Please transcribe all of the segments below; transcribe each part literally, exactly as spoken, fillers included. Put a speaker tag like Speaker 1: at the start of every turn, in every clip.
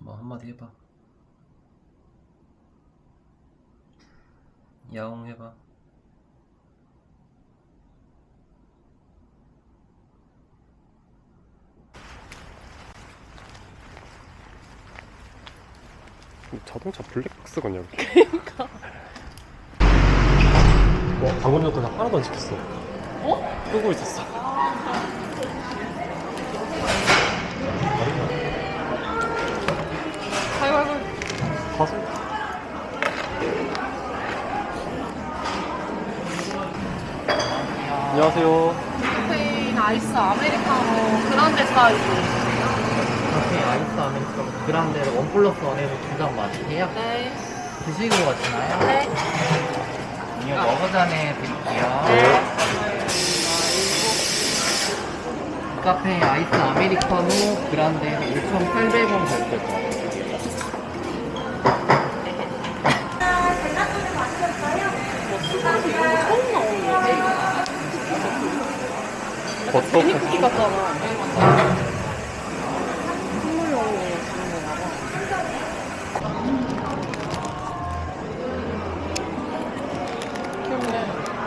Speaker 1: 뭐 한마디 해봐. 야옹 해봐.
Speaker 2: 자동차 블랙박스가 아니야.
Speaker 3: 그러니까.
Speaker 2: 와, 방금 전까지 하나도 안 시켰어.
Speaker 3: 어?
Speaker 2: 끄고 있었어.
Speaker 3: 아이고 아이고.
Speaker 2: 가서? 안녕하세요.
Speaker 3: 카페인 아이스 아메리카노 그란데 사이즈.
Speaker 4: 카페 아이스 아메리카노 그란데를 원 플러스 원에서 두 잔 마실게요.
Speaker 3: 네.
Speaker 4: 드시고 가시나요?
Speaker 3: 네.
Speaker 4: 이거 먹어전에 드릴게요.
Speaker 3: 네.
Speaker 4: 카페 아이스 아메리카노 그란데에서 오천팔백 원 결제 거.
Speaker 3: 처음 나오는 거지?
Speaker 2: 버터
Speaker 3: 제니 쿠키 같잖아. 선물용으로 주는 건가 봐. 귀엽네.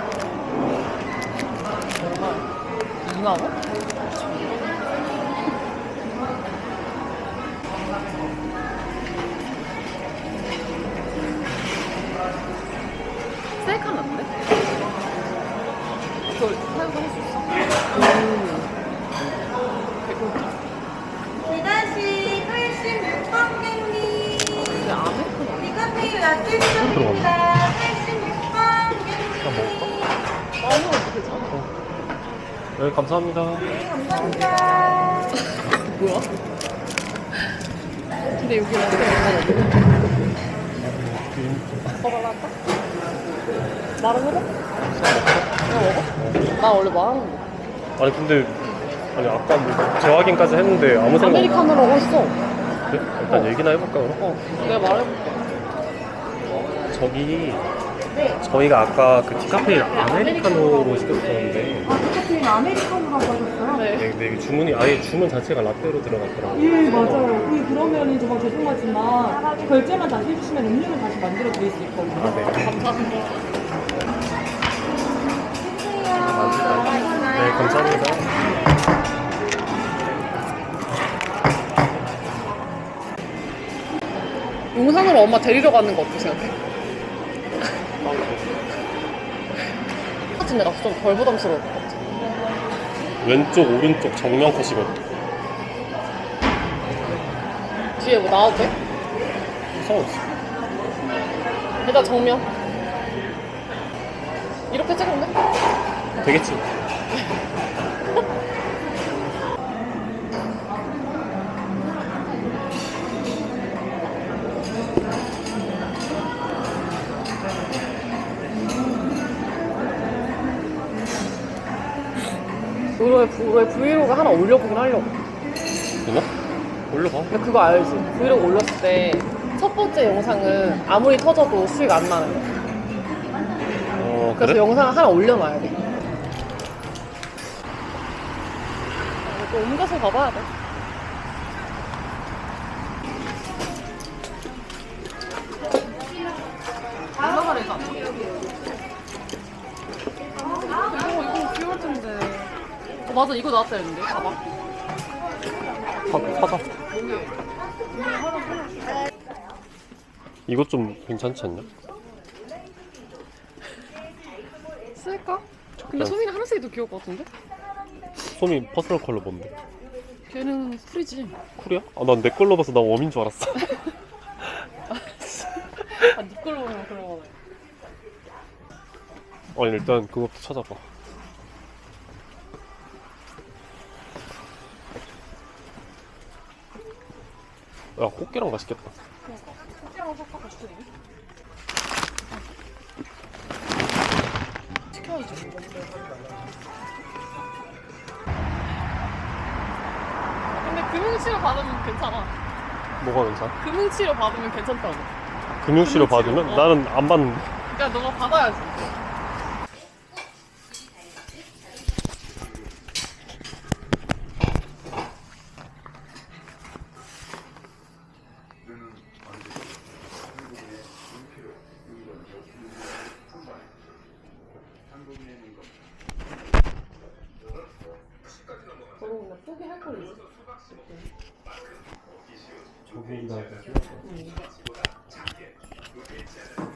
Speaker 3: 얼마? 이만 원? 셀카 났는데? 그걸 사용할 수 있어? 음.
Speaker 5: 이다시 팔십육 번경님
Speaker 3: 근데 아메리카노
Speaker 5: 디카페인 라떼 수입니다. 팔십육 번경님
Speaker 3: 아무 어떻게 잖아.
Speaker 2: 네, 감사합니다.
Speaker 5: 감사합니다.
Speaker 3: 뭐야? 근데 여기 라떼 얼마나 없네? 더 발라할까? 말은 해봐? 그냥 먹어? 나 원래 말하는 거.
Speaker 2: 아니 근데 아니 아까 뭐 재확인까지 했는데 아무 생각
Speaker 3: 아메리카노라고 했어.
Speaker 2: 없는데? 일단
Speaker 3: 어.
Speaker 2: 얘기나 해볼까 그럼?
Speaker 3: 어, 내가 말해볼게.
Speaker 2: 저기 저희가 아까 그 디카페인 아메리카노로 시켰었는데
Speaker 5: 아, 디카페인 아메리카노라고 하셨어요?
Speaker 3: 네.
Speaker 2: 네, 근데 이게 주문이 아예 주문 자체가 라떼로 들어갔더라고요.
Speaker 5: 예, 맞아요. 그, 그러면은 정말 죄송하지만 결제만 다시 해주시면 음료를 다시 만들어 드릴 수 있거든요.
Speaker 2: 아, 네.
Speaker 3: 감사합니다.
Speaker 2: 네, 감사합니다.
Speaker 3: 용산으로 엄마 데리러 가는 거 어떻게 생각해? 같은 데 가서 좀 덜 부담스러울 것 같아.
Speaker 2: 왼쪽, 오른쪽 정면 컷이거든.
Speaker 3: 뒤에 뭐 나와도 돼?
Speaker 2: 상관없어.
Speaker 3: 일단 정면. 이렇게 찍으면 돼?
Speaker 2: 되겠지.
Speaker 3: 우리 왜 브이로그 하나 올려보긴 하려고.
Speaker 2: 되나? 올려봐.
Speaker 3: 근데 그거 알지? 브이로그 올렸을 때 첫 번째 영상은 아무리 터져도 수익 안 나는 거야.
Speaker 2: 어,
Speaker 3: 그래서
Speaker 2: 그래?
Speaker 3: 영상을 하나 올려놔야 돼. 또 옮겨서 가봐야 돼. 올라가래 가. 이거 이거 귀여울 텐데. 어, 맞아 이거 나왔다 했는데. 봐봐.
Speaker 2: 사, 사자. 이것 좀 괜찮지 않냐?
Speaker 3: 쓸까? 근데 소민이 하늘색이 더 귀여울 것 같은데?
Speaker 2: 소미 퍼스널 컬러 뭔데?
Speaker 3: 걔는 풀이지.
Speaker 2: 쿨이야? 아, 난 내 걸로 봐서 나 웜인 줄 알았어.
Speaker 3: 아, 니 걸로 보면 그런 거네.
Speaker 2: 아니, 일단 그것도 찾아봐. 야, 꽃게랑 맛있겠다.
Speaker 3: 그러니까. 꽃이랑 섞어 같이 드리니? 시켜야지. 근데 금융치료 받으면 괜찮아.
Speaker 2: 뭐가 괜찮아?
Speaker 3: 금융치료 받으면 괜찮다고.
Speaker 2: 금융치료
Speaker 3: 금융치료,
Speaker 2: 받으면?
Speaker 3: 어.
Speaker 2: 나는 안 받는데.
Speaker 3: 그러니까 너가 받아야지.
Speaker 5: 소개할 걸 있어.
Speaker 2: 저기 기다려.
Speaker 5: 응.